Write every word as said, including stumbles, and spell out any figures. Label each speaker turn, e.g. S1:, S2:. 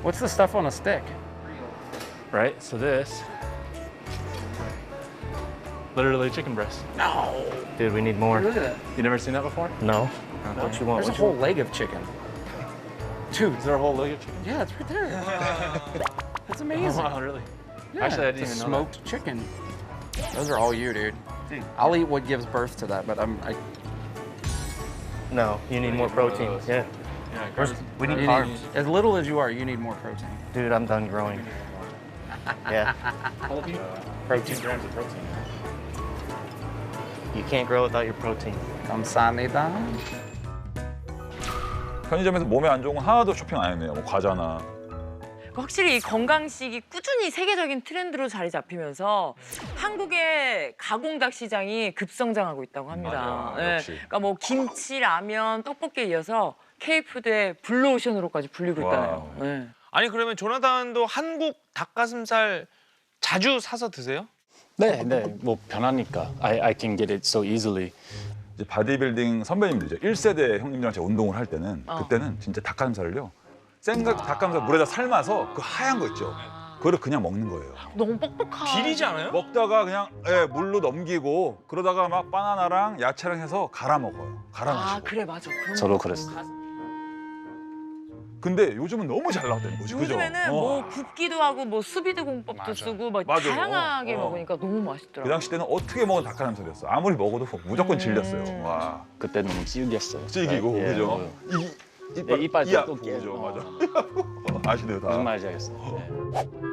S1: What's the stuff on a stick?
S2: Right? So this, literally chicken breast.
S1: No.
S3: Dude, we need more.
S1: Look at that.
S2: You never seen that before?
S3: No. What you want?
S1: There's a
S3: What you
S1: whole
S3: want?
S1: leg of chicken. Dude,
S2: Is there a whole leg of chicken?
S1: yeah, it's right there. That's
S2: Oh,
S1: amazing.
S2: wow, really?
S1: Yeah,
S2: Actually, I didn't
S1: it's a
S2: even know
S1: smoked chicken. Those are all you, dude. I'll eat what gives birth to that, but I'm. I,
S3: No, you need more protein. Yeah.
S2: Yeah,
S3: Where's-
S2: carbs-
S3: we need
S1: you
S3: carbs.
S1: need, as little as you are, you need more protein.
S3: Dude, I'm done growing. Yeah.
S2: Protein grams of protein.
S3: You can't grow without your protein.
S1: 감사합니다.
S4: 편의점에서 몸에 안 좋은 건 하나도 쇼핑 안 했네요. 뭐 과자나.
S5: 확실히 이 건강식이 꾸준히 세계적인 트렌드로 자리 잡히면서 한국의 가공닭 시장이 급성장하고 있다고 합니다.
S4: 맞아, 역시.
S5: 그러니까 뭐 김치, 라면, 떡볶이에 이어서 K푸드의 블루오션으로까지 불리고 있다네요.
S4: 와우.
S5: 네.
S6: 아니 그러면 조나단도 한국 닭가슴살 자주 사서 드세요?
S7: 네, 네, 뭐 변하니까. I, I can get it so easily.
S4: 이제 바디빌딩 선배님들이죠. 일 세대 형님들이랑 제가 운동을 할 때는
S5: 어.
S4: 그때는 진짜 닭가슴살을요. 생각 닭가슴살 물에다 삶아서 그 하얀 거 있죠. 그거를 그냥 먹는 거예요.
S5: 너무 뻑뻑한.
S6: 비리지 않아요?
S4: 먹다가 그냥 예, 물로 넘기고 그러다가 막 바나나랑 야채랑 해서 갈아 먹어요. 갈아
S5: 아
S4: 마시고.
S5: 그래 맞아. 그런
S7: 저도
S5: 거.
S7: 그랬어요.
S4: 근데 요즘은 너무 잘 나왔다는 거지. 그죠?
S5: 요즘에는
S4: 어.
S5: 뭐 굽기도 하고 뭐 수비드 공법도
S6: 맞아.
S5: 쓰고 막
S4: 맞아.
S5: 다양하게
S4: 어.
S5: 먹으니까 너무
S4: 그
S5: 맛있더라고.
S4: 당시 때는 어떻게 먹은 닭가슴살이었어. 아무리 먹어도 무조건
S5: 음.
S4: 질렸어요. 와,
S7: 그때 너무 질겼어요.
S4: 질기고
S7: 예,
S4: 그죠?
S7: 어,
S4: 이, 이빨,
S7: 예, 이빨
S4: 이 아프고,
S7: 또 깨.
S4: 그죠?
S7: 어.
S4: 맞아. 아시네요 다.
S7: 무슨 말인지 알겠어요. 네.